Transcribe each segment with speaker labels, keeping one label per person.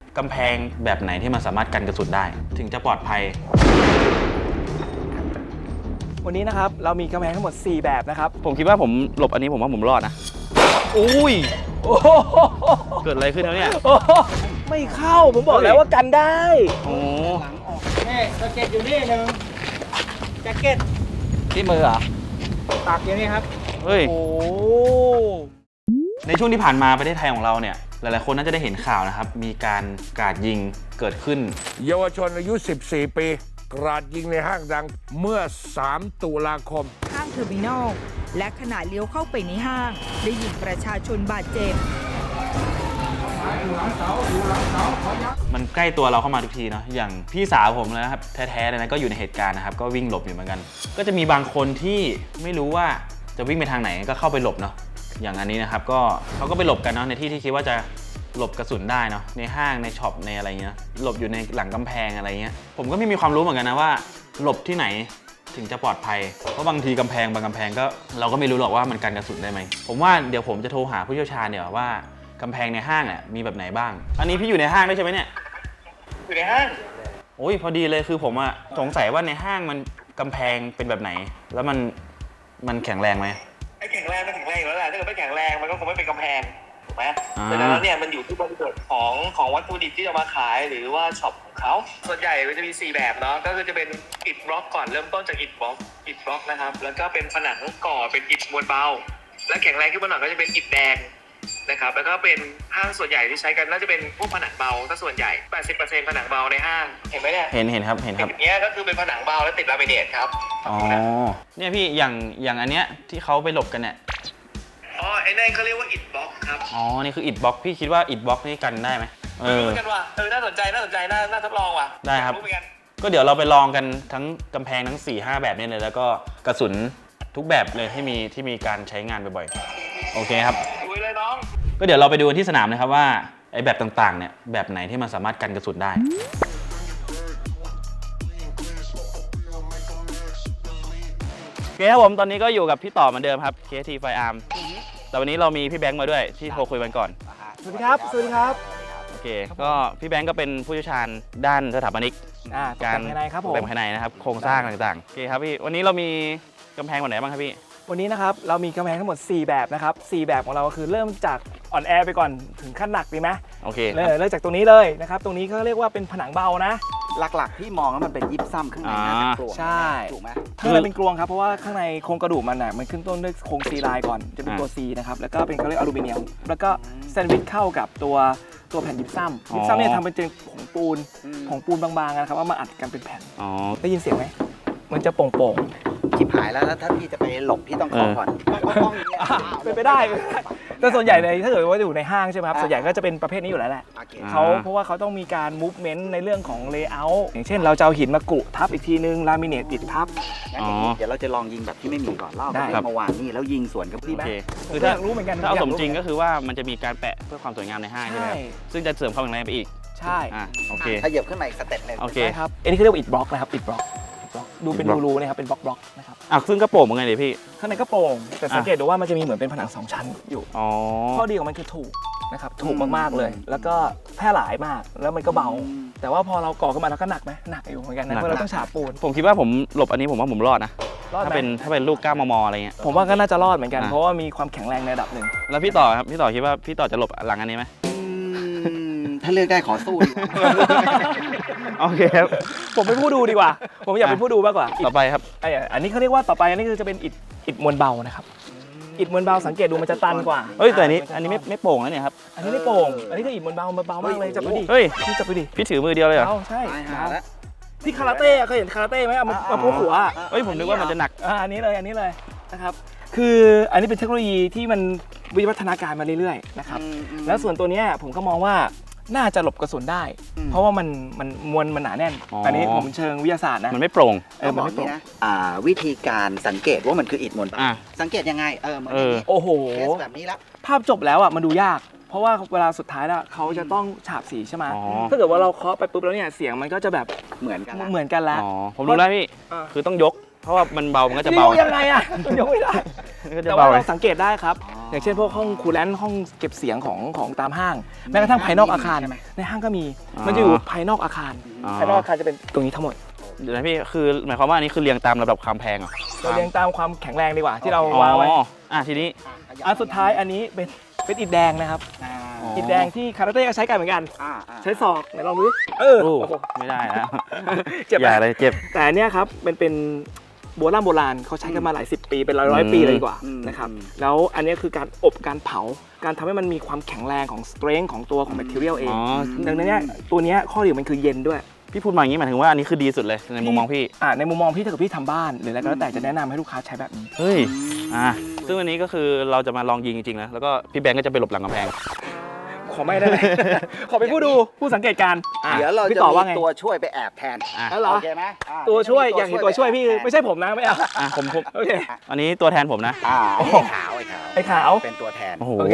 Speaker 1: กำแพงแบบไหนที่มันสามารถกันกระสุนได้ถึงจะปลอดภัย
Speaker 2: วันนี้นะครับเรามีกำแพงทั้งหมด4แบบนะครับ
Speaker 1: ผมคิดว่าผมหลบอันนี้ผมว่าผมรอดนะอุ้ยเกิดอะไรขึ้นแล้วเนี่ย
Speaker 2: ไม่เข้าผมบอกแล้วว่ากันได้
Speaker 1: โอ้
Speaker 3: หลังออกนี่แจ็คเก็ตอยู่นี่หนึ่งแจ็คเก็ต
Speaker 2: ที่มือเหรอ
Speaker 3: ตากอยู่นี่ครับ
Speaker 1: เฮ้ย
Speaker 2: โอ้
Speaker 1: ในช่วงที่ผ่านมาประเทศไทยของเราเนี่ยหลายๆคนน่าจะได้เห็นข่าวนะครับมีการกราดยิงเกิดขึ้น
Speaker 4: เยาวชนอายุ 14 ปีกราดยิงในห้างดังเมื่อ 3 ตุลาคม
Speaker 5: ห้างเทอร์มินอลและขณะเลี้ยวเข้าไปในห้างได้ยิงประชาชนบาดเจ็บ
Speaker 1: มันใกล้ตัวเราเข้ามาทุกทีเนาะอย่างพี่สาวผมเลยนะครับแท้ๆเลยนะก็อยู่ในเหตุการณ์นะครับก็วิ่งหลบอยู่เหมือนกันก็จะมีบางคนที่ไม่รู้ว่าจะวิ่งไปทางไหนก็เข้าไปหลบเนาะอย่างอันนี้นะครับก็เขาก็ไปหลบกันเนาะในที่ที่คิดว่าจะหลบกระสุนได้เนาะในห้างในช็อปในอะไรเงี้ยหลบอยู่ในหลังกำแพงอะไรเงี้ยผมก็ไม่มีความรู้เหมือนกันนะว่าหลบที่ไหนถึงจะปลอดภัยเพราะบางทีกำแพงบางกำแพงก็เราก็ไม่รู้หรอกว่ามันกันกระสุนได้ไหมผมว่าเดี๋ยวผมจะโทรหาผู้เชี่ยวชาญเดี๋ยวว่ากำแพงในห้างเนี่ยมีแบบไหนบ้างอันนี้พี่อยู่ในห้างด้วยใช่ไหมเนี่ย
Speaker 3: อยู่ในห้าง
Speaker 1: โอ้ยพอดีเลยคือผมอะสงสัยว่าในห้างมันกำแพงเป็นแบบไหนแล้วมันแข็งแรงไหม
Speaker 3: ไอ้แข็งแรงมันแข็งแรงอยู่แล้วแหละถ้าเกิดไม่แข็งแรงมันก็คงไม่เป็นกำแพงถูกไหมแต่แล้วเนี่ยมันอยู่ที่บริบทของวัตถุดิบที่จะมาขายหรือว่าช็อปของเขาส่วนใหญ่มันจะมี4แบบเนาะก็คือจะเป็นอิฐบล็อกก่อนเริ่มต้นจากอิฐบล็อกนะครับแล้วก็เป็นผนังก่อเป็นอิฐมวลเบาและแข็งแรงขึ้นมาหน่อยก็จะเป็นอิฐแดงนะครับแล้วก็เป็นห้างส่วนใหญ่ที่ใช้กันน่าจะเป็นพวกผนังเบาถ้าส่วนใหญ่ 80% ผนังเบาในห้างเห็นไหมเนี่ย
Speaker 1: เห็นครับ
Speaker 3: อย่างเงี้ยก็คือเป็นผนังเบาแล้วติดลามิเนตครับ
Speaker 1: อ๋อเนี่ยพี่อย่างอันเนี้ยที่เขาไปหลบกันเนี่ย
Speaker 3: อ๋อไอ้นั่นเขาเรียกว่าอิฐบล็อกครับ
Speaker 1: อ๋อนี่คืออิฐบล็อกพี่คิดว่าอิฐบล็อกนี่กันได้ไหม
Speaker 3: กันว่ะน่าสนใจน่าทดลองว่ะ
Speaker 1: ได้ครับก็เดี๋ยวเราไปลองกันทั้งกำแพงทั้ง 4-5 แบบนี้เลยแล้วก็กระสุนทุกแบบเลยที่มีการใช้งานบ่อยๆโอเคครับ
Speaker 3: ลุยเลยน้อง
Speaker 1: ก็เดี๋ยวเราไปดูที่สนามนะครับว่าไอ้แบบต่างๆเนี่ยแบบไหนที่มันสามารถกันกระสุนได้โอเคครับผมตอนนี้ก็อยู่กับพี่ต่อเหมือนเดิมครับ KT Firearm แต่วันนี้เรามีพี่แบงค์มาด้วยที่โทรคุยกันก่อน
Speaker 2: สวัสดีครับสวัสดีครับ
Speaker 1: โอเคก็พี่แบงค์ก็เป็นผู้เชี่ยวชาญด้านสถาปนิก
Speaker 2: การภายในครับผม
Speaker 1: ภายในนะครับโครงสร้างต่างๆโอเคครับพี่วันนี้เรามีกำแพงแบบไหนบ้างครับพี่
Speaker 2: วันนี้นะครับเรามีกำแพงทั้งหมด4แบบนะครับ4แบบของเราก็คือเริ่มจากอ่อนแอไปก่อนถึงขั้นหนักดีไหม
Speaker 1: โอเค
Speaker 2: เริ่มจากตรงนี้เลยนะครับตรงนี้เขาเรียกว่าเป็นผนังเบานะ
Speaker 6: หลักๆที่มองแล้วมันเป็นยิปซัมข้างในน่าจะกลวง
Speaker 2: ใช่
Speaker 6: ถูกไหม
Speaker 2: ข้างในเป็นกลวงครับเพราะว่าข้างในโครงกระดูกมันมันขึ้นต้นด้วยโครงซีไลน์ก่อนจะเป็นตัว C นะครับแล้วก็เป็นเขาเรียกอลูมิเนียมแล้วก็แซนด์วิชเข้ากับตัวแผ่นยิปซัมเนี่ยทำเป็นผงปูนบางๆนะครับว่ามาอัดกันเป็นแผ่นได้ยินเสียงไหมมันจะโป่ง
Speaker 6: ชิบหายแล้วถ้าพี่จะไปหลบพี่ต้องขอก่อน
Speaker 2: เป็นไปได้แต่ส่วนใหญ่ในถ้าเกิดว่าอยู่ในห้างใช่ไหมครับส่วนใหญ่ก็จะเป็นประเภทนี้อยู่แล้วแหละเพราะว่าเขาต้องมีการมูฟเมนต์ในเรื่องของเลเยอร์อย่างเช่นเราจะเอาหินมากุทับอีกทีนึงลามิเนตปิดทับ
Speaker 6: เดี๋ยวเราจะลองยิงแบบที่ไม่มีก่อนเล่าได้เมื่อวานนี่แล้วยิงสวนกับพี่ไหม
Speaker 1: คือถ้ารู้เหมือนกันถ้าเอาสมจริงก็คือว่ามันจะมีการแปะเพื่อความสวยงามในห้างใช่ไหมซึ่งจะเสริมความแข็งแรงไปอีก
Speaker 2: ใช่
Speaker 1: โอเค
Speaker 6: ถ้าเหยียบขึ้นมาอีกสเต็ปนึง
Speaker 1: โอเค
Speaker 2: ครับอันนี้เขาเรียกว่าอิฐบล็อกนะครับอิฐบล็อกดูเป็นรูๆนะครับเป็นบล็อกนะครับ
Speaker 1: ซึ่งกระโปรงเป็นไงเดี๋ยวพี่
Speaker 2: ข้างในกระโปรงแต่สังเกตดูว่ามันจะมีเหมือนเป็นผนัง2ชั้นอยู่ข้อดีของมันคือถูกนะครับถูกมากๆเลยแล้วก็แพร่หลายมากแล้วมันก็เบาแต่ว่าพอเราก่อขึ้นมาแล้วก็หนักไหมหนักอยู่เหมือนกันนะเพราะเราต้องฉาบปูน
Speaker 1: ผมคิดว่าผมหลบอันนี้ผมว่าผมรอดนะถ้าเป็นลูก9 มมอะไรเงี้ย
Speaker 2: ผมว่าก็น่าจะรอดเหมือนกันเพราะว่ามีความแข็งแรงในระดับหนึ่ง
Speaker 1: แล้วพี่ต่อครับพี่ต่อคิดว่าพี่ต่อจะหลบหลังอันนี้ไหม
Speaker 6: ถ้าเลือกได้ขอสู้
Speaker 1: โอเคครับ
Speaker 2: ผมเป็นผู้ดูดีกว่าผมอยากเป็นผู้ดูมากกว่า
Speaker 1: ต่อไปครับ
Speaker 2: อันนี้เขาเรียกว่าต่อไปอันนี้คือจะเป็นอิฐมวลเบานะครับอิฐมวลเบาสังเกตดูมันจะตันกว่า
Speaker 1: แต่อันนี้ไม่โป่งแล้วเนี่ยครับ
Speaker 2: อันนี้ไม่โป่งอันนี้ก็อิฐมวลเบามากเลยจับไปดิ
Speaker 1: พี่
Speaker 2: จับไปดิ
Speaker 1: พี่ถือมือเดียวเลยเหรอ
Speaker 2: ใช่ที่คาราเต้เคยเห็นคาราเต้ไหมเอามาพูดหัว
Speaker 1: ผมนึกว่ามันจะหนัก
Speaker 2: อันนี้เลยนะครับคืออันนี้เป็นเทคโนโลยีที่มันวิวัฒนาการมาเรื่อยๆนะครับแล้วส่วนตัวนี้ผมก็มองว่าน่าจะหลบกระสุนได้เพราะว่ามันมวลมันหนาแน่นอันนี้ผมเชิงวิทยาศาสตร์นะ
Speaker 1: มันไม่โปร่ง
Speaker 6: มันไม่โปร่งนะวิธีการสังเกตว่ามันคืออิฐมวลเบาสังเกตยังไง
Speaker 2: โอ้โห
Speaker 6: แบบนี้ละ
Speaker 2: ภาพจบแล้วมันดูยากเพราะว่าเวลาสุดท้ายแล้วเขาจะต้องฉาบสีใช่ไหมถ้าเกิดว่าเราเคาะไปปุ๊บแล้วเนี่ยเสียงมันก็จะแบบ
Speaker 6: เหมือน
Speaker 2: กันแล้ว
Speaker 1: ผมรู้แล้วพี่คือต้องยกเพราะว่ามันเบามันก็จะเบา
Speaker 2: ยังไงต้องยกไม่ได้แต่ว่าเราสังเกตได้ครับอย่างเช่นพวกห้องคูลแลนต์ห้องเก็บเสียงของตามห้างแม้กระทั่งภายนอกอาคารในห้างก็มีมันจะอยู่ภายนอกอาคารภายนอกอาคารจะเป็นตรงนี้ทั้งหมด
Speaker 1: เดี๋ยวนะพี่คือหมายความว่าอันนี้คือเรียงตามลำดับความแพงเหรอ
Speaker 2: เราเรียงตามความแข็งแรงดีกว่าที่เราวางไว้
Speaker 1: ทีนี้
Speaker 2: อันสุดท้ายอันนี้เป็นอิฐแดงนะครับอิฐแดงที่คาราเต้ก็ใช้กันเหมือนกันใช้ศอกไหนลองดูดิโอ้โห
Speaker 1: ไม่ได้แล้ว
Speaker 2: เจ็บ
Speaker 1: อย่าเลยเจ็บ
Speaker 2: แต่อันเนี้ยครับเป็นโบราณเขาใช้กันมาหลายสิบปีเป็นร้อยปีเลยดีกว่านะครับแล้วอันเนี้ยคือการอบการเผาการทำให้มันมีความแข็งแรงของสเตรนท์ของตัวของแบคทีเรียลเองดังนั้นเนี่ยตัวเนี้ยข้อดีมันคือเย็นด้วย
Speaker 1: พี่พูดมาอย่างนี้หมายถึงว่าอันนี้คือดีสุดเลยในมุมมองพี่
Speaker 2: ในมุมมองพี่ถ้าเกิดพี่ทำบ้านหรืออะไรก็แล้วแต่จะแนะนำให้ลูกค้าใช้แบบนี้
Speaker 1: เฮ้ยซึ่งวันนี้ก็คือเราจะมาลองยิงจริงๆนะแล้วก็พี่แบงก์ก็จะไปหลบหลังกำแพง
Speaker 2: ขอไม่ได้ไหม ขอเป็นผู้ดูผู้สังเกตการณ์
Speaker 6: เดี๋ยวเรา
Speaker 2: พี่
Speaker 6: จะ
Speaker 2: ต่อว่า
Speaker 6: มี
Speaker 2: ไง
Speaker 6: ตัวช่วยไปแอบแทน
Speaker 2: แล้วเหรอ
Speaker 6: โอเคไหม
Speaker 2: ตัวช่วยอย่างเห็นตัวช่วยพี่ไม่ใช่ผมนะไม่เอา
Speaker 1: ผม
Speaker 2: โอเค
Speaker 1: อันนี้ตัวแทนผมนะ
Speaker 6: ไอ้ขาวไอ้ขาว
Speaker 2: ไอ้ขาว
Speaker 6: เป็นตัวแทน
Speaker 1: โอ้โห
Speaker 2: โอเค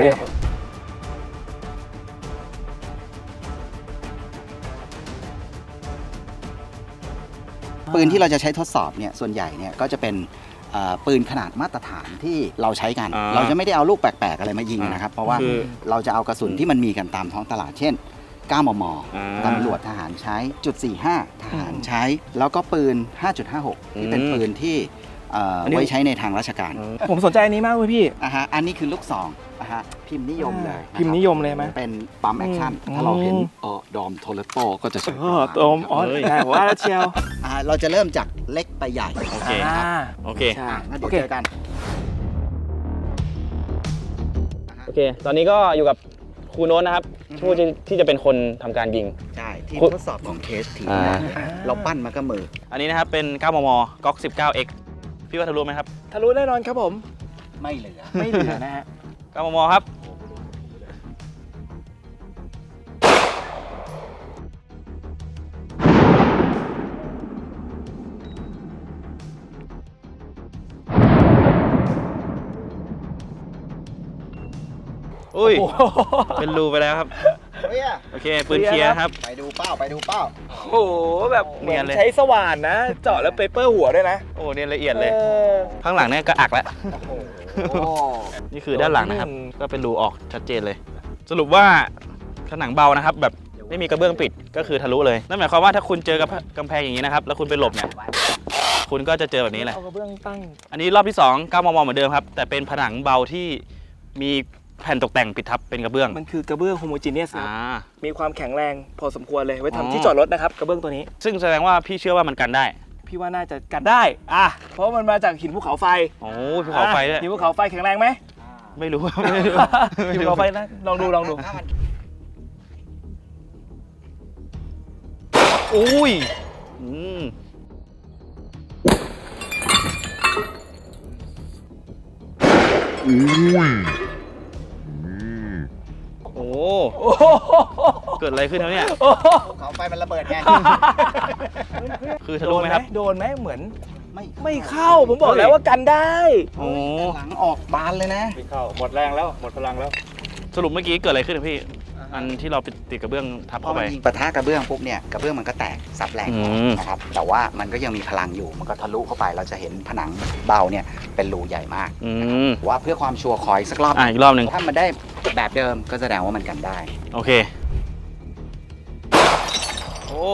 Speaker 6: ปืนที่เราจะใช้ทดสอบเนี่ยส่วนใหญ่เนี่ยก็จะเป็นปืนขนาดมาตรฐานที่เราใช้กัน เราจะไม่ได้เอาลูกแปลกๆอะไรมายิงนะครับ เพราะว่า
Speaker 1: คือ
Speaker 6: เราจะเอากระสุนที่มันมีกันตามท้องตลาด เช่น 9 มม ตำรวจทหารใช้จุด45 ทหารใช้ แล้วก็ปืน 5.56 ที่เป็นปืนที่ไว้ใช้ในทางราชการ
Speaker 2: ผมสนใจอันนี้มากเลยพี่
Speaker 6: อันนี้คือลูกซองพิมพ์นิยมเลยนะครับ
Speaker 2: พิมพ์นิยมเลยไหม
Speaker 6: เป็นปั๊มแอคชั่นถ้าเราเห็นดอมโทเลโตก็จะใช้
Speaker 2: ตมอ๋อได้ผมว่าแล้วเชียว
Speaker 6: เราจะเริ่มจากเล็กไปใหญ่
Speaker 1: โอเค โอเค
Speaker 2: ใช่
Speaker 6: งั้น
Speaker 2: โอ
Speaker 6: เดี๋ยว
Speaker 2: เค
Speaker 6: เจอกัน
Speaker 1: โอเค ตอนนี้ก็อยู่กับครูโน้ตนะครับผู้ที่จะเป็นคนทำการยิง
Speaker 6: ใช่ที่
Speaker 1: คุณ
Speaker 6: ทดสอบของเคสทีนะเราปั้นมาก็มือ
Speaker 1: อันนี้นะครับเป็น 9 มมก๊อก 19x พี่ว่าทะลุไหมครับ
Speaker 2: ทะลุแน่นอนครับผม
Speaker 6: ไม่เหลือ
Speaker 2: ไม่เหลือนะฮะ
Speaker 1: 9 มมครับ อุ้ย เป็นรูไปแล้วครับ
Speaker 6: เฮ้ย
Speaker 1: โอเค ปืนเคลียร์ครับ
Speaker 6: ไปดูเป้าไปดูเป้า
Speaker 2: โอ้โหแบบเหมื
Speaker 1: เนี
Speaker 2: อย
Speaker 1: น
Speaker 2: น
Speaker 1: เลย
Speaker 2: ใช้สว่านนะ เจาะแล้วเปเปอร์หัวด้วยนะ
Speaker 1: โอ้เนี่ยละเอียดเลย
Speaker 2: ออ
Speaker 1: ข้างหลังเนี่ยก็อักแล้ว
Speaker 6: โอ้
Speaker 1: นี่คือด้านหลังนะครับ ก็เป็นรูออกชัดเจนเลย สรุปว่าผนังเบานะครับ แบบไม่มีกระเบื้องปิดก็คือทะลุเลย นั่นหมายความว่าถ้าคุณเจอกับกำแพงอย่างนี้นะครับ แล้วคุณไปหลบเนี่ย คุณก็จะเจอแบบนี้แหละ
Speaker 2: เอากระเบื้องตั้ง
Speaker 1: อันนี้รอบที่ 2 9 มมเหมือนเดิมครับ แต่เป็นผนังเบาที่มีแผ่นตกแต่งปิดทับเป็นกระเบื้อง
Speaker 2: มันคือกระเบื้องโฮโมจีเนียส
Speaker 1: อ่า
Speaker 2: มีความแข็งแรงพอสมควรเลยไว้
Speaker 1: อ๋อ
Speaker 2: ทำที่จอดรถนะครับกระเบื้องตัวนี้
Speaker 1: ซึ่งแสดงว่าพี่เชื่อว่ามันกันได้
Speaker 2: พี่ว่าน่าจะกันได้เพราะมันมาจากหินภูเขาไฟ
Speaker 1: โอ้ภูเขาไฟด้วย
Speaker 2: หินภูเขาไฟแข็งแรงไหม
Speaker 1: ไม่รู้
Speaker 2: หินภูเขาไฟนะลองดูลองดู
Speaker 1: อุ้ยโอ้ เกิดอะไรขึ้นแล้วเนี่ย
Speaker 6: ภูเขาไฟมันระเบิดไง
Speaker 1: คือทะลุไหมครับ
Speaker 2: โดนไหมเหมือน
Speaker 6: ไม่
Speaker 2: ไม่เข้าผมบอกแล้วว่ากันได้
Speaker 1: โอ้
Speaker 6: หลังออกบานเลยนะ
Speaker 2: หมดแรงแล้วหมดพลังแล้ว
Speaker 1: สรุปเมื่อกี้เกิดอะไรขึ้นพี่ อันที่เราไปติดกระเบื้องทับ
Speaker 6: พอ
Speaker 1: เข้า
Speaker 6: มั
Speaker 1: ไป
Speaker 6: นยิงปะทะกระเบื้องปุ๊บเนี่ยกระเบื้องมันก็แตกซับแรง
Speaker 1: อืม
Speaker 6: นะครับแต่ว่ามันก็ยังมีพลังอยู่มันก็ทะลุเข้าไปเราจะเห็นผนังเบาเนี่ยเป็นรูใหญ่มาก ว่าเพื่อความชัวร์ขออีกสักรอบ
Speaker 1: อีกรอบหนึ่ง
Speaker 6: ถ้ามันได้แบบเดิมก็แสดงว่ามันกันได้
Speaker 1: โอเค โอ้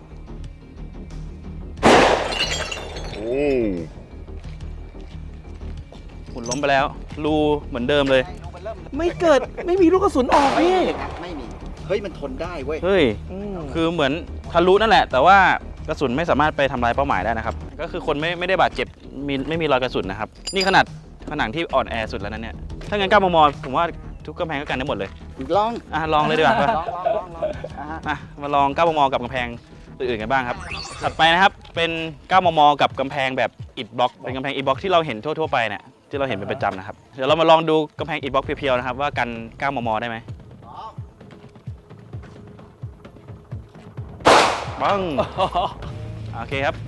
Speaker 1: หมุนล้มไปแล้ว รูเหมือนเดิมเลย
Speaker 2: ไม่เกิดไม่มีลูกกระสุนออกพี่
Speaker 6: ไม่มีเฮ้ยมันทนได้เว้ย
Speaker 1: เฮ้ย คือเหมือนทะลุนั่นแหละ แต่ว่ากระสุนไม่สามารถไปทำลายเป้าหมายได้นะครับ ก็คือคนไม่ได้บาดเจ็บไม่มีรอยกระสุนนะครับ นี่ขนาดผนังที่อ่อนแอสุดแล้วนั้นเนี่ย ถ้างั้น9 มมผมว่าทุกกำแพงก็กันได้หมดเลย
Speaker 6: ลอง
Speaker 1: ลองเลยดีกว่า
Speaker 6: ลอง
Speaker 1: มาลอง9 มมกับกำแพงอื่นๆกันบ้างครับ ถัดไปนะครับ เป็น 9 มมกับกำแพงแบบอิฐบล็อก เป็นกำแพงอิฐบล็อกที่เราเห็นทั่วๆไปเนี่ย ที่เราเห็นเป็นประจำนะครับ เดี๋ยวเรามาลองดูกำแพงอิฐบล็อกเพียวๆนะครับว่ากัน 9 มมได้ไหมปัง โอเคครับ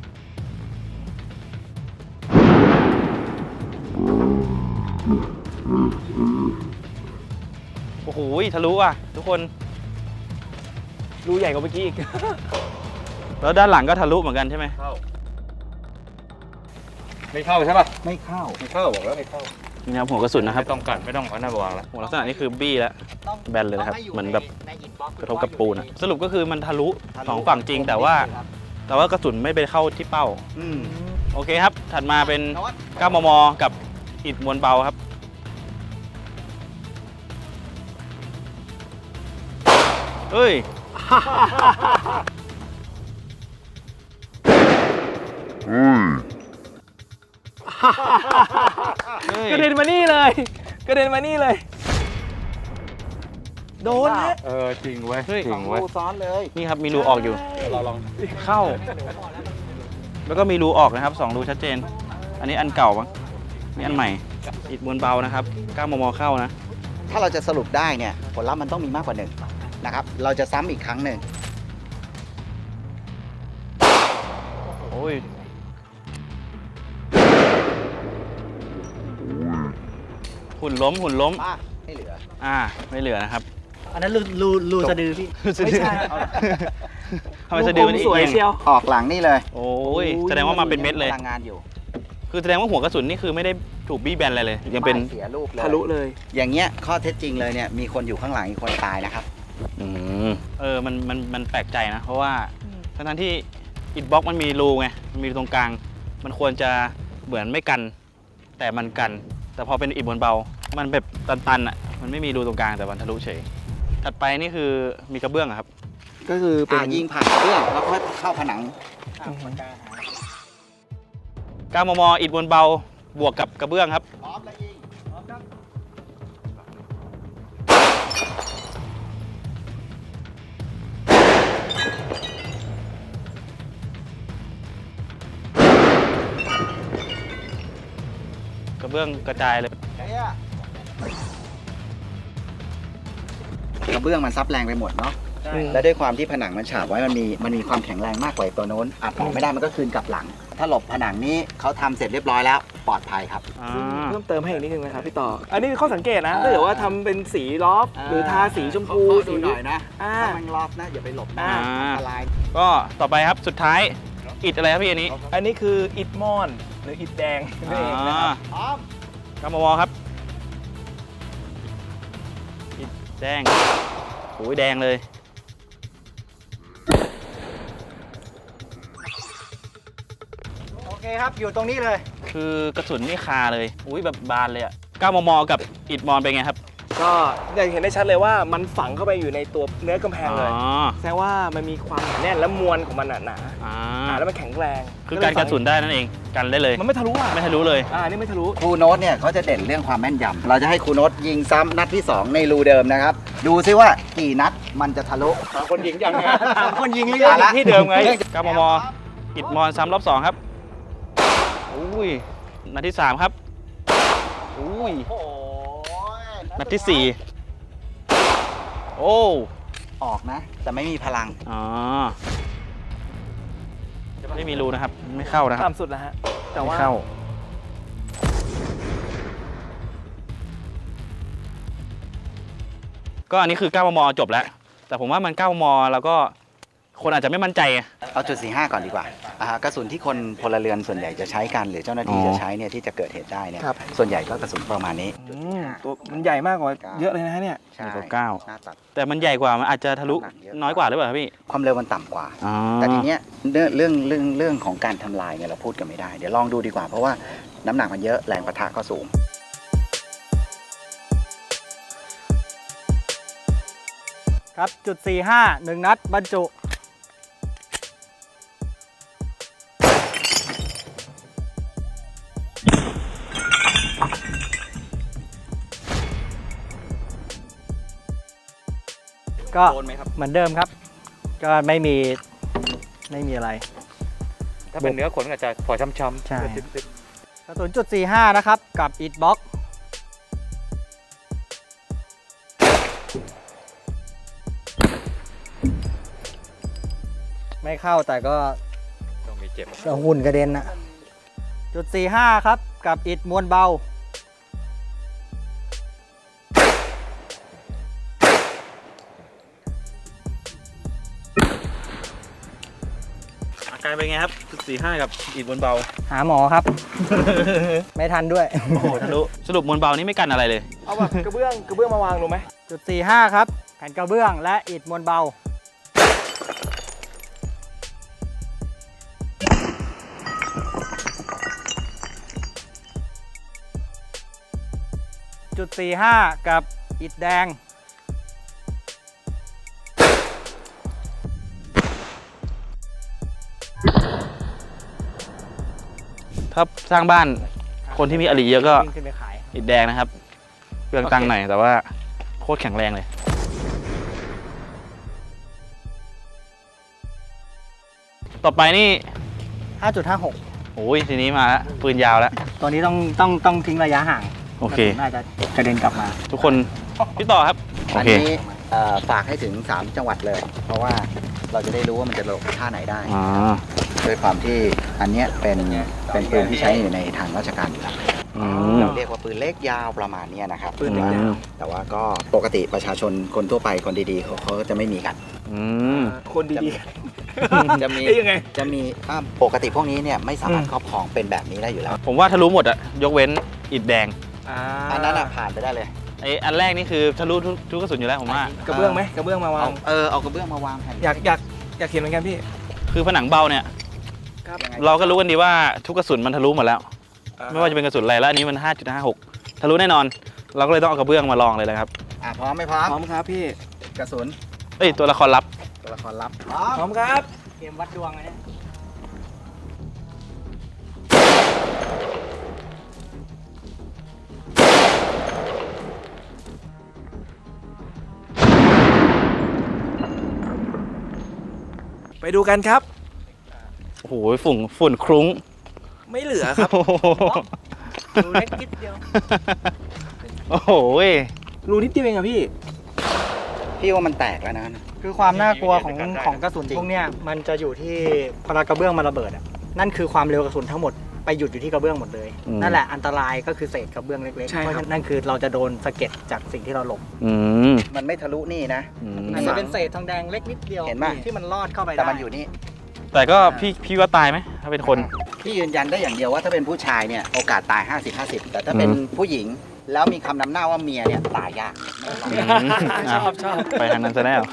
Speaker 1: โอ้โหทะลุอ่ะทุกคน
Speaker 2: รูใหญ่กว่าเมื่อกี้อีก
Speaker 1: แล้วด้านหลังก็ทะลุเหมือนกันใช่ไหม
Speaker 7: ไม่เข้าใช่ป่ะ
Speaker 6: ไม่เข้า
Speaker 7: ไม่เข้าบอกแล้วไม่เข้า
Speaker 1: นี่นะครับหัวกระสุนนะครับ
Speaker 7: ไม่ต้องกัดไม่ต้องเอาหน้าบวกแล้ว
Speaker 1: หัวลักษณะนี้คือบี้แล้วแบนเลยนะครับเหมือนแบบกระทบกับปูนอะสรุปก็คือมันทะลุสองฝั่งจริงแต่ว่ากระสุนไม่ไปเข้าที่เป้า
Speaker 6: อืม
Speaker 1: โอเคครับ ถัดมาเป็น 9 มม กับอิฐมวลเบาครับ เฮ้ย
Speaker 2: กระเด็นมานี่เลย กระเด็นมานี่เลย โดนฮะ
Speaker 7: จริงเว้ย
Speaker 1: เฮ้ย
Speaker 7: จริงเว้ย
Speaker 6: รูซ้อนเลย
Speaker 1: นี่ครับมีรูออกอยู่
Speaker 7: เราลอง
Speaker 1: เข้า แล้วก็มีรูออกนะครับ2รูชัดเจน อันนี้อันเก่ามั้งนี่อันใหม่ อิฐมวลเบานะครับ 9 มม เข้านะ
Speaker 6: ถ้าเราจะสรุปได้เนี่ยผลลัพธ์มันต้องมีมากกว่าหนึ่งนะครับ เราจะซ้ำอีกครั้งหนึ่ง
Speaker 1: โอ้ย หุ่นล้ม หุ่นล้ม
Speaker 6: ป้าไม่เหลือ
Speaker 1: ไม่เหลือนะครับ
Speaker 8: อันนั้นรูสะดือพี่
Speaker 2: ไม่ใช่
Speaker 1: ทำไมสะดือมัน
Speaker 2: สวยเชียว
Speaker 6: ออกหลังนี่เลย
Speaker 1: โอ้ย แสดงว่ามาเป็นเม็ดเลย
Speaker 6: พลังงานอยู่
Speaker 1: คือแสดงว่าหัวกระสุนนี่คือไม่ได้ถูกบี้แบนอะไรเลย ยังเป็น
Speaker 6: ไม่เสียรูปเลย
Speaker 2: ทะลุเลย
Speaker 6: อย่างเงี้ยข้อเท็จจริงเลยเนี่ยมีคนอยู่ข้างหลังอีกคนตายนะครับ
Speaker 1: มันแปลกใจนะ เพราะว่าทั้งที่อิฐบล็อกมันมีรูไง มันมีรูตรงกลาง มันควรจะเหมือนไม่กัน แต่มันกัน แต่พอเป็นอิฐบนเบา มันแบบตันๆอ่ะ มันไม่มีรูตรงกลางแต่มันทะลุเฉย ถัดไปนี่คือมีกระเบื้องอะครับ
Speaker 2: ก็คือเป็น
Speaker 6: ยิงผ่านกระเบื้องแล้วก็เข้าผนัง
Speaker 1: 9 มม อิฐบนเบา บวกกับกระเบื้องครับ
Speaker 6: พร้อมแล้วยิงพร้อมครับ
Speaker 1: กระเบื้องกระจายเลย
Speaker 6: กระเบื้องมันซับแรงไปหมดเนาะ และด้วยความที่ผนังมันฉาบไว้มันมีความแข็งแรงมากกว่าตัวโน้นอัดออกไม่ได้มันก็คืนกลับหลัง ถ้าหลบผนังนี้เขาทำเสร็จเรียบร้อยแล้วปลอดภัยครับ
Speaker 2: เพิ่มเติมให้อีกนิดนึงนะครับพี่ต่อ อันนี้คือข้อสังเกตนะถ้าเกิดว่าทำเป็นสีลอฟหรือทาสีชมพู
Speaker 6: ดูหน่อยนะ
Speaker 2: อ่า
Speaker 6: ถ้ามันรอบนะอย่าไปหลบนะ
Speaker 1: อ่า
Speaker 6: อันตราย
Speaker 1: ก็ต่อไปครับ สุดท้าย อิฐอะไรครับพี่อันนี้
Speaker 2: อันนี้คืออิฐมอนหรืออิฐแดงนั่นเองนะครับ
Speaker 6: พร้อม
Speaker 1: 9 มม ครับ อิฐแดงโอ้ยแดงเลย
Speaker 8: โอเคครับ อยู่ตรงนี้เลย
Speaker 1: คือกระสุนนี่คาเลย อุ้ยแบบบานเลยอะ9 มม กับอิฐมอนเป็นไงครับ
Speaker 2: ก็อย่างเห็นได้ชัดเลยว่ามันฝังเข้าไปอยู่ในตัวเนื้อกำแพงเลย
Speaker 1: อ๋อ
Speaker 2: แสดงว่ามันมีความหนาแน่นและมวลของมันหนา
Speaker 1: อ่า
Speaker 2: แล้วมันแข็งแรง
Speaker 1: คือการกระสุนได้นั่นเอง กันได้เลย
Speaker 2: มันไม่ทะลุอ่ะ
Speaker 1: ไม่ทะลุเลย
Speaker 2: นี่ไม่ทะลุ
Speaker 6: ครูโน้ตเนี่ยเขาจะเด่นเรื่องความแม่นยำเราจะให้ครูโน้ตยิงซ้ำนัดที่ 2 ในรูเดิมนะครับ ดูซิว่ากี่นัดมันจะทะลุ
Speaker 2: คนยิงยังไง
Speaker 8: คนยิงหรือ
Speaker 6: เอาละ
Speaker 1: ที่เดิมไง 9 มม อิฐมอนซ้ำรอบ 2 ครับ อุ้ย นัดที่ 3 ครับ อุ้ย นัดที่ 4 โอ้
Speaker 6: ออกนะ แต่ไม่มีพลัง
Speaker 1: อ๋อ ไม่มีรูนะครับ ไม่เข้านะครับ
Speaker 2: ต่ำสุดแล้วฮะ แต่
Speaker 1: ไม่
Speaker 2: ว่า
Speaker 1: เข้า ก็อันนี้คือ 9 มม จบแล้ว แต่ผมว่ามัน 9 มม แล้วก็คนอาจจะไม่มั่นใจไง
Speaker 6: เอาจุด45 ก่อนดีกว่ากระสุนที่คนพลเรือนส่วนใหญ่จะใช้กันหรือเจ้าหน้าที่
Speaker 1: อ๋อ
Speaker 6: จะใช้เนี่ยที่จะเกิดเหตุได้เนี่ย
Speaker 2: ครับ
Speaker 6: ส่วนใหญ่ก็กระสุนประมาณนี้
Speaker 2: ตัวมันใหญ่มากกว่าเยอะเลยนะฮะเนี่ย
Speaker 6: ใช่
Speaker 1: กว่าเก้า
Speaker 6: หน้าตัด
Speaker 1: แต่มันใหญ่กว่า มันอาจจะทะลุน้อยกว่าหรือเปล่าครับพี่
Speaker 6: ความเร็วมันต่ำกว่า
Speaker 1: อ๋อ
Speaker 6: แต่ทีเนี้ยเรื่องของการทำลายเนี่ยเราพูดกันไม่ได้ เดี๋ยวลองดูดีกว่าเพราะว่าน้ำหนักมันเยอะแรงปะทะก็สูง
Speaker 8: ครับ จุด 45 1 นัดบรรจุ ก็เหมือนเดิมครับ ก็ไม่มีอะไร
Speaker 7: ถ้าเป็นเนื้อขนก็จะพอช้ำๆ
Speaker 8: ใช่ กระสุนจุด 45 นะครับ กับอิฐบล็อก ไม่เข้าแต่ก็
Speaker 7: ต้องมีเจ็บ
Speaker 8: หุ่นกระเด็นนะจุด 45 ครับ กับอิฐมวลเบา
Speaker 1: คการเป็นไงครับ45กับอิฐมวลเบา
Speaker 8: หาหมอครับ ไม่ทันด้วย
Speaker 1: โอ้โหทะลุสรุปมวลเบานี่ไม่กันอะไรเลย
Speaker 2: เอาแบบกระเบื้องมาวางดูไหม
Speaker 8: จุด45ครับ แผ่นกระเบื้องและอิฐมวลเบา จุด45กับอิฐแดง
Speaker 1: ถ้าสร้างบ้านคนที่มีอลีเยอะก็
Speaker 8: วิ่งขึ้นไปขาย
Speaker 1: อิฐแดงนะครับเครื่องตั้งหน่อยแต่ว่าโคตรแข็งแรงเลย ต่อไปนี่
Speaker 8: 5.56
Speaker 1: โอ้ยทีนี้มาแล้วปืนยาวแล้ว
Speaker 8: ตัวนี้ต้องทิ้งระยะห่าง
Speaker 1: โอเค
Speaker 8: น่าจะกระเด็นกลับมา
Speaker 1: ทุกคนพี่ต่อครับ โอ
Speaker 6: อัน
Speaker 1: เค
Speaker 6: นี้ฝากให้ถึง 3 จังหวัดเลย เพราะว่าเราจะได้รู้ว่ามันจะลงท่าไหนได้
Speaker 1: อ๋อ
Speaker 6: ด้วยความที่อันเนี้ยเป็นปืนที่ใช้อยู่ในทางราชการอยู่แล้ว
Speaker 1: อืม
Speaker 6: เราเรียกว่าปืนเล็กยาวประมาณเนี้ยนะครับ
Speaker 2: ปืนเล็กยาว
Speaker 6: แต่ว่าก็ปกติประชาชนคนทั่วไปคนดีๆเขาจะไม่มีกัน
Speaker 1: อืม
Speaker 2: คนดี
Speaker 6: จะมี
Speaker 2: ๆเอ้ยยังไง
Speaker 6: จะมีปกติพวกนี้เนี่ยไม่สามารถครอบครองเป็นแบบนี้ได้อยู่แล้ว
Speaker 1: ผมว่าทะลุหมดอะยกเว้นอิฐแดง
Speaker 6: อันนั้นอะผ่านไปได้เลย
Speaker 1: ไออันแรกนี่คือทะลุทุกกระสุนอยู่แล้วผมว่า
Speaker 2: กระเบื้องไหมกระเบื้องมาวาง
Speaker 6: เอากระเบื้องมาวางแผ่น
Speaker 2: อยากเห็นเหมือนกันพี่
Speaker 1: คือผนังเบาเนี่ย
Speaker 2: ครับ
Speaker 1: เราก็รู้กันดีว่าทุกกระสุนมันทะลุหมดแล้ว ไม่ว่าจะเป็นกระสุนอะไรแล้วอันนี้มัน 5.56 ทะลุแน่นอน เราก็เลยต้องเอากระเบื้องมาลองเลยนะครับ
Speaker 6: พร้อมไหมพร้อม
Speaker 2: พร้อมครับพี่
Speaker 6: กระสุน
Speaker 1: เอ้ยตัวละครลับ
Speaker 6: ตัวละครลับ
Speaker 2: พร้อมครับ
Speaker 8: เกมวัดดวงอันนี้
Speaker 2: ไปดูกันครับ
Speaker 1: โอ้โหฝุ่นคลุ้ง
Speaker 2: ไม่เหลือครับ
Speaker 1: โอ้โห
Speaker 8: ดูเล็กนิดเดียว
Speaker 1: โอ้โห
Speaker 2: รูนิดเดียวเองอะพี่
Speaker 6: พี่ว่ามันแตกแล้วนะ
Speaker 8: คือความน่ากลัวของกระสุนพวกเนี้ยมันจะอยู่ที่พอกระเบื้องมันระเบิดอะนั่นคือความเร็วกระสุนทั้งหมดไปหยุดอยู่ที่กระเบื้องหมดเลย นั่นแหละอันตรายก็คือเศษกระเบื้องเล็กๆ
Speaker 2: ใช่
Speaker 8: เพ
Speaker 2: ครับ
Speaker 8: ราะฉะนั้นนั่นคือเราจะโดนสะเก็ดจากสิ่งที่เราหลบ
Speaker 1: อืม
Speaker 6: มันไม่ทะลุนี่นะ
Speaker 1: อืม
Speaker 8: อาจจะเป็นเศษทองแดงเล็กนิดเดียว
Speaker 6: เห็นปะ
Speaker 8: ที่มันลอดเข้าไปได้
Speaker 6: แต่มันอยู่นี่
Speaker 1: แต่ก็พี่ว่าตายไหมถ้าเป็นคน
Speaker 6: พี่ยืนยันได้อย่างเดียวว่าถ้าเป็นผู้ชายเนี่ยโอกาสตาย 50-50 แต่ถ้าเป็นผู้หญิงแล้วมีคำนำหน้าว่าเมียเนี่ยตายยาก
Speaker 2: ชอบ
Speaker 1: ไปทางนั้นซะแล้ว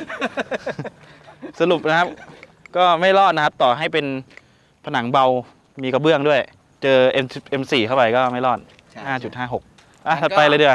Speaker 1: สรุปนะครับ ก็ไม่รอดนะครับ ต่อให้เป็นผนังเบามีกระเบื้องด้วย เจอ M4 เข้าไปก็ไม่รอด
Speaker 6: ใช่
Speaker 1: 5.56 ถัดไปเลยเดือ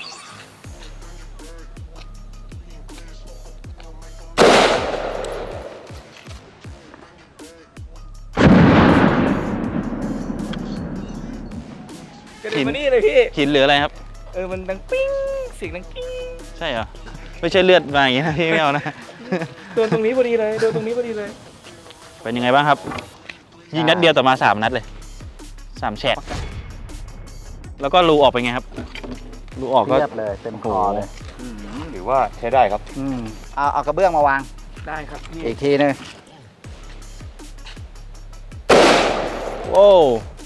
Speaker 2: กระดิ่งมานี่เลยพี่
Speaker 1: หินหรืออะไรครับ
Speaker 2: มันดังปิ้งเสียงดังกิ้ง
Speaker 1: ใช่เหรอ ไม่ใช่เลือดมาอย่างนี้นะพี่ไม่เอานะ
Speaker 2: โดนตรงนี้พอดีเลย โดนตรงนี้พอดีเลย
Speaker 1: เป็นยังไงบ้างครับ ยิงนัดเดียวแต่มา3นัดเลย 3 แฉก แล้วก็รูออกไปไงครับ รูออกก็
Speaker 6: เรียบเลยเต็มคอเลย
Speaker 7: หรือว่าใช้ได้ครับ
Speaker 6: เอากระเบื้องมาวาง
Speaker 2: ได้ครับพี่
Speaker 6: อีกทีนึง
Speaker 1: โว้ว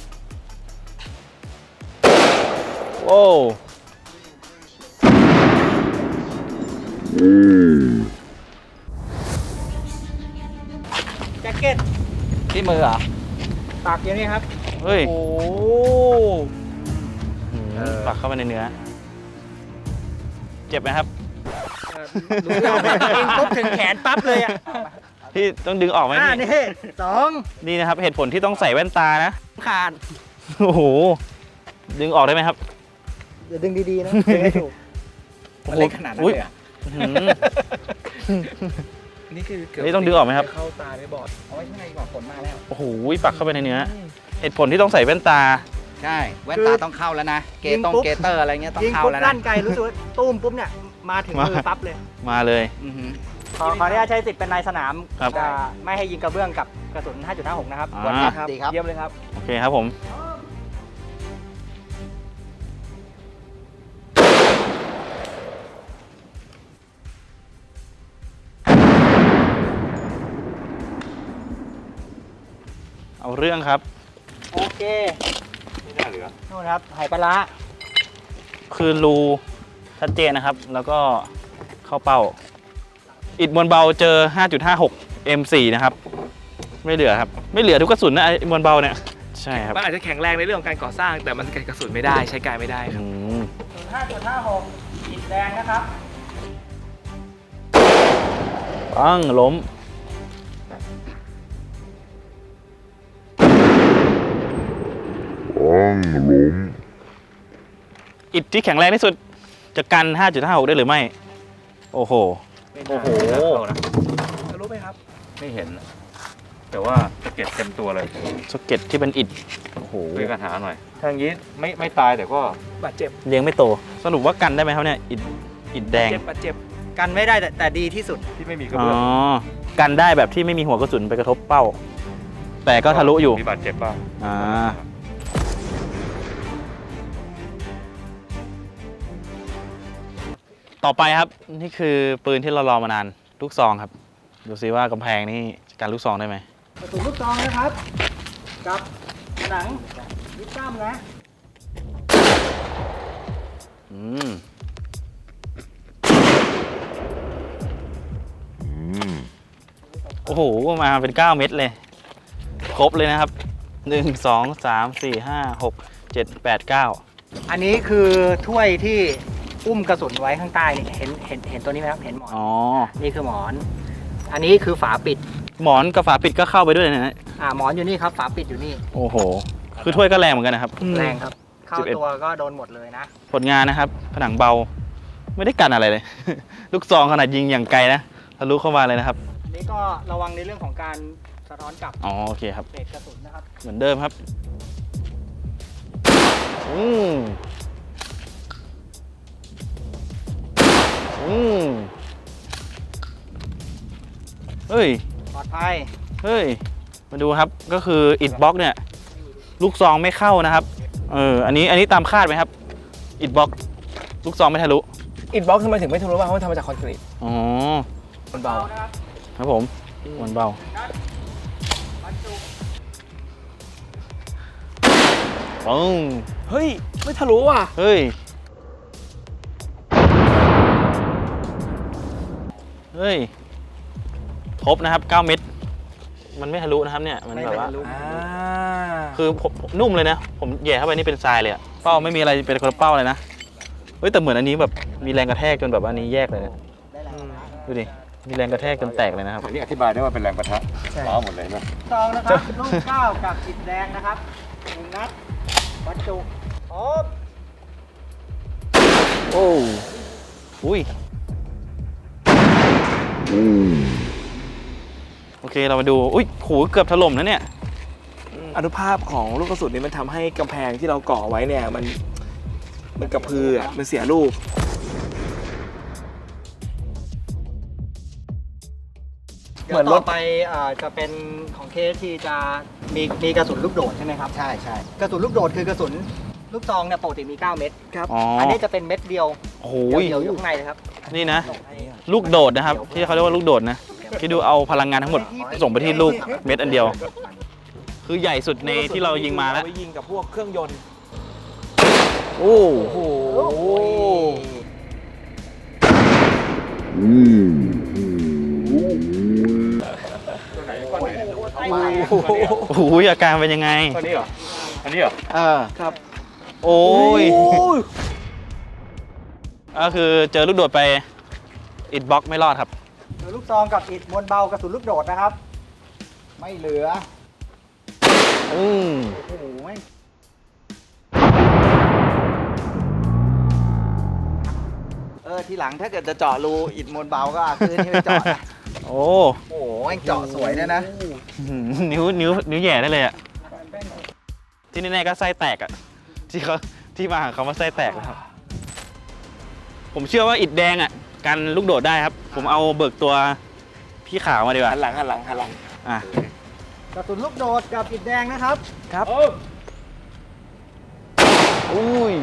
Speaker 1: โว้ว
Speaker 8: แจ็คเก็ต
Speaker 6: ที่มือเหรอ
Speaker 8: ปากอย่างนี้ครับ
Speaker 1: เฮ้ย
Speaker 2: โอ้
Speaker 1: ปักเข้าไปในเนื้อ เจ็บไหมครับ
Speaker 8: รู้แล้วยิงปุ๊บถึงแขนปั๊บเลยอ่ะ
Speaker 1: พี่ต้องดึงออกไหม
Speaker 8: นี่
Speaker 1: พี่
Speaker 8: 2
Speaker 1: นี่นะครับ เหตุผลที่ต้องใส่แว่นตานะ
Speaker 8: ขาด
Speaker 1: โอ้โห ดึงออกได้ไหมครับ
Speaker 8: อย่าดึงดีๆนะดึงให้ถูก
Speaker 6: มันเล็กขนาดนั้นเลยเหรอ
Speaker 1: อื้อหือ
Speaker 2: นี่คือเกือบ
Speaker 1: นี่ต้องดึงออกไหมครับ
Speaker 2: เข้าตาได้บอด
Speaker 6: เอาไว้ข้างในก่อนฝนมาแล้ว
Speaker 1: โอ้โห ปักเข้าไปในเนื้อ เหตุผลที่ต้องใส่แว่นตา
Speaker 6: ใช่ แว่นตาต้องเข้าแล้วนะ เก
Speaker 8: ยิงปุ๊บ
Speaker 6: เตอร์อะไรเงี้ยต้อง
Speaker 8: ยิง
Speaker 6: เข้า
Speaker 8: ปุ๊บ
Speaker 6: แล้ว
Speaker 8: ลั่
Speaker 6: นะ
Speaker 8: นไกลรู้สึกว่าตุ้มปุ๊บเนี่ยมาถึงมือปั๊บเลย
Speaker 1: มาเลย
Speaker 6: อือหือ
Speaker 8: ขออนุญาตใช้สิทธิ์เป็นนายสนาม
Speaker 1: ครับ
Speaker 8: จะไม่ให้ยิงกระเบื้องกับกระสุน 5.56 นะครับ
Speaker 1: อ่า
Speaker 2: ครับ
Speaker 6: ดีครับ
Speaker 2: เยี่ยมเลยครับ
Speaker 1: โอเคครับผม เอาเรื่องครับ
Speaker 8: โอเค
Speaker 7: ไม่น่าเหลือ
Speaker 8: นู่นครับไหปลาร้า
Speaker 1: คือรูชัดเจนนะครับ แล้วก็เข้าเป้า อิฐมวลเบาเจอ 5.56 M4 นะครับไม่เหลือครับ ไม่เหลือทุกกระสุนนะไอ้มวลเบาเนี่ยใช่ครับ
Speaker 2: มันอาจจะแข็งแรงในเรื่องของการก่อสร้าง แต่มันสกัดกระสุนไม่ได้ใช้การไม่ได้ครับ
Speaker 8: 5.56 อิฐแดงนะครับ
Speaker 1: ปังล้มอิฐที่แข็งแรงที่สุดจะกัน 5.56 ได้หรือไม่ โอ้โห
Speaker 7: โอ้โห
Speaker 2: จะรู้ไหมครับ
Speaker 7: ไม่เห็น แต่ว่าสะเก็ดเต็มตัวเลย
Speaker 1: สเก็ตที่เป็นอิฐโอ้โห
Speaker 7: ช่วยกันหาหน่อยทางนี้ไม่ตายแต่ก็
Speaker 2: บาดเจ็บ
Speaker 1: เลี้ยงไม่โต สรุปว่ากันได้ไหมครับเนี่ยอิฐแดง
Speaker 2: บาดเจ็บ
Speaker 8: กันไม่ได้แต่ดีที่สุด
Speaker 7: ที่ไม่มีกระ
Speaker 1: อ๋อ
Speaker 7: เบื้อง
Speaker 1: กันได้แบบที่ไม่มีหัวกระสุนไปกระทบเป้า แต่ก็ทะลุอยู่
Speaker 7: มีบาดเจ็บบ้าง
Speaker 1: อ่าต่อไปครับนี่คือปืนที่เรารอมานานลูกซองครับ ดูซิว่ากำแพงนี่จะกันลูกซองได้ไหม
Speaker 8: กระสุนลูกซองนะครับ กับหนังยิปซัมนะ
Speaker 1: อืมโอ้โหมาเป็น 9 เม็ดเลย ครบเลยนะครับ 1 2 3 4 5 6 7 8 9
Speaker 8: อันนี้คือถ้วยที่อุ้มกระสุนไว้ข้างใต้นี่เห็นตัวนี้ไหมครับเห็นหมอน
Speaker 1: อ๋อ
Speaker 8: นี่คือหมอน อันนี้คือฝาปิด
Speaker 1: หมอนกับฝาปิดก็เข้าไปด้วยนะ
Speaker 8: หมอนอยู่นี่ครับฝาปิดอยู่นี่
Speaker 1: โอ้โห คือถ้วยก็แรงเหมือนกันนะครับ
Speaker 8: แรงครับ เข้า
Speaker 1: 11
Speaker 8: ตัวก็โดนหมดเลยนะ
Speaker 1: ผลงานนะครับ ผนังเบา ไม่ได้กันอะไรเลย ลูกซองขนาดยิงอย่างไกลนะทะลุเข้ามาเลยนะครับ
Speaker 8: อันนี้ก็ระวังในเรื่องของการสะท้อนกลับ
Speaker 1: อ๋อโอเคครับ
Speaker 8: เศษกระสุนนะครับ
Speaker 1: เหมือนเดิมครับ อืมอืมเฮ้ย
Speaker 8: ปลอดภัย
Speaker 1: เฮ้ย มาดูครับ ก็คืออิฐบล็อกเนี่ย ลูกซองไม่เข้านะครับ อันนี้ตามคาดไหมครับ อิฐบล็อกลูกซองไม่ทะลุ
Speaker 2: อินบ็อกซ์ทำไมถึงไม่ทะลุบ้างเพราะมันทำมาจากคอนกรีต
Speaker 1: อ๋อ
Speaker 2: มันเบา
Speaker 1: ครับผมมันเบาปึ้ง
Speaker 2: เฮ้ย ไม่ทะลุว่ะ
Speaker 1: เฮ้ย เฮ้ย ครบนะครับ 9 เม็ด มันไม่ทะลุนะครับเนี่ย มันแบบว่า คือผมนุ่มเลยนะ ผมแย่เข้าไปนี่เป็นทรายเลยอะเป้าไม่มีอะไรเป็นคนละเป้าเลยนะ เฮ้ยแต่เหมือนอันนี้แบบมีแรงกระแทกจนแบบอันนี้แยกเลยนะดูดิ มีแรงกระแทกจนแตกเลยนะครับ
Speaker 7: อันนี้อธิบายได้ว่าเป็นแรงปะทะล้อหมดเลยนะ
Speaker 8: ซองนะครับ ลูกเก้ากับอิฐแดงนะครับ1 นัดบรรจุพร้อม
Speaker 1: โอ้อุ้ยโอเคเรามาดู อุ้ยโหเกือบถล่มนะเนี่ย
Speaker 2: อนุภาพของลูกกระสุนนี้มันทำให้กำแพงที่เราก่อไว้เนี่ยมันกระพืออ่ะมันเสียรูป
Speaker 8: เหมือนรถไปจะเป็นของเคสที่จะมีกระสุนลูกโดดใช่ไหมครับ
Speaker 6: ใช่ใช่
Speaker 8: กระสุนลูกโดดคือกระสุนลูกซองเนี่ยปกติมี 9 เม็ดครับ
Speaker 1: อ๋ออั
Speaker 8: อันนี้จะเป็นเม็ดเดียว
Speaker 1: โอ้โห
Speaker 8: เดียวอยู่ข้างในเลยครับ
Speaker 1: นี่นะ ลูกโดดนะครับ ที่เขาเรียกว่าลูกโดดนะคิดดูเอาพลังงานทั้งหมดส่งไปที่ลูกเม็ดอันเดียว คือใหญ่สุดในที่เรายิงมาแล้ว
Speaker 2: เอไปยิงกับพวกเครื่องยนต์
Speaker 1: โอ้
Speaker 2: โอ้โห
Speaker 1: โหอาการเป็นยังไง
Speaker 7: อันนี้เหรอ อันนี้เหรอ
Speaker 2: ครับ
Speaker 1: โอ้ยก็คือเจอลูกโดดไปอิดบล็อกไม่รอดครับ
Speaker 8: ลูกซองกับอิฐมวลเบากระสุนลูกโดดนะครับ
Speaker 6: ไม่เหลือ
Speaker 1: อืม
Speaker 8: โอ้โหไม่
Speaker 6: ทีหลังถ้าเกิดจะเจาะรูอิฐมวลเบาก็เอาคืนที่ไปเจาะนะ
Speaker 1: โอ้
Speaker 6: โอ้โหแม่งเจาะสวยเลยนะ
Speaker 1: นิ้วแหย่ได้เลยอ่ะ ที่แน่ๆก็ไส้แตกอ่ะ ที่มาของคำว่าไส้แตกนะครับ ผมเชื่อว่าอิฐแดงอ่ะกันลูกโดดได้ครับ ผมเอาเบิกตัวพี่ขาวมาดีกว่า
Speaker 2: หันหลังหันหลังหันหลัง
Speaker 1: อ่ะ
Speaker 8: กระสุนลูกโดดกับอิฐแดงนะครับ
Speaker 2: ครับ
Speaker 1: อุ้ย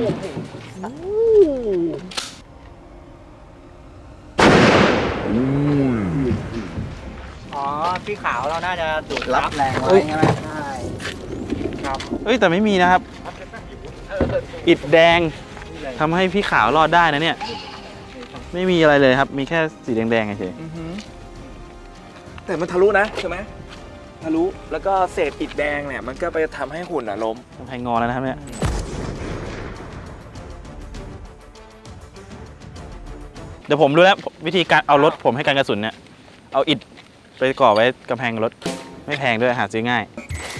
Speaker 8: อ๋อพี่ขาวเราน่าจะดูด
Speaker 6: รับแรงไว้ใช่ไหม
Speaker 8: ใช่ครับ
Speaker 1: เฮ้ยแต่ไม่มีนะครับ อิฐแดงทำให้พี่ขาวรอดได้นะเนี่ย ไม่มีอะไรเลยครับ มีแค่สีแดงๆเฉย
Speaker 2: แต่มันทะลุนะใช่ไหมทะลุแล้วก็เศษอิฐแดงเนี่ยมันก็ไปทำให้หุ่นล้ม
Speaker 1: กำแพงงอแล้วนะครับเนี่ยเดี๋ยวผมรู้แล้ววิธีการเอารถผมให้การกระสุนเนี่ยเอาอิฐไปก่อไว้กำแพงรถไม่แพงด้วยหาซื้อง่าย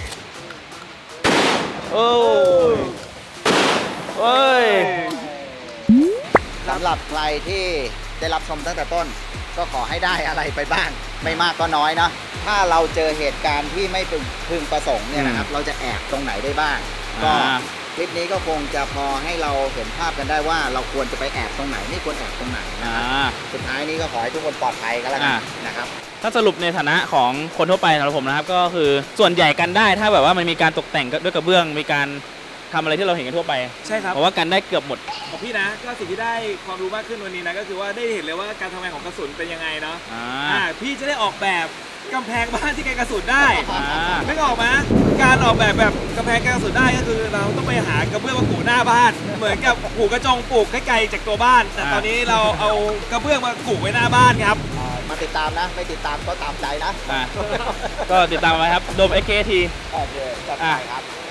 Speaker 1: โอ้ยเอ้ย
Speaker 6: สำหรับใครที่ได้รับชมตั้งแต่ต้น ก็ขอให้ได้อะไรไปบ้าง ไม่มากก็น้อยเนาะถ้าเราเจอเหตุการณ์ที่ไม่พึงประสงค์เนี่ยนะครับ เราจะแอบตรงไหนได้บ้าง ก็คลิปนี้ก็คงจะพอให้เราเห็นภาพกันได้ว่าเราควรจะไปแอบตรงไหนไม่ควรแอบตรงไหนนะครับสุดท้ายนี้ก็ขอให้ทุกคนปลอดภัยกันแล้วกันนะครับ
Speaker 1: ถ้าสรุปในฐานะของคนทั่วไปสำหรับผมนะครับก็คือส่วนใหญ่กันได้ถ้าแบบว่ามันมีการตกแต่งด้วยกระเบื้องมีการทำอะไรที่เราเห็นกันทั่วไป
Speaker 2: ใช่ครับ
Speaker 1: เพราะว่ากันได้เกือบหมด
Speaker 2: ของพี่นะก็สิ่งที่ได้ความรู้มากขึ้นวันนี้นะก็คือว่าได้เห็นเลยว่าการทำงานของกระสุนเป็นยังไงเนาะพี่จะได้ออกแบบกำแพงบ้านที่กันกระสุนได้ไม่ออกไหมการออกแบบกำแพงกันกระสุนได้ก็คือเราต้องไปหากระเบื้องมาปูหน้าบ้านเหมือนกับปูกระจงปลูกไกลๆจากตัวบ้านแต่ตอนนี้เราเอากระเบื้องมาปูไว้หน้าบ้านครับ
Speaker 6: มาติดตามนะไม่ติดตามก็ตามใจนะ
Speaker 1: ก็ติดตามไว้ครับโดม XKT
Speaker 6: โอเคจัดไปครับ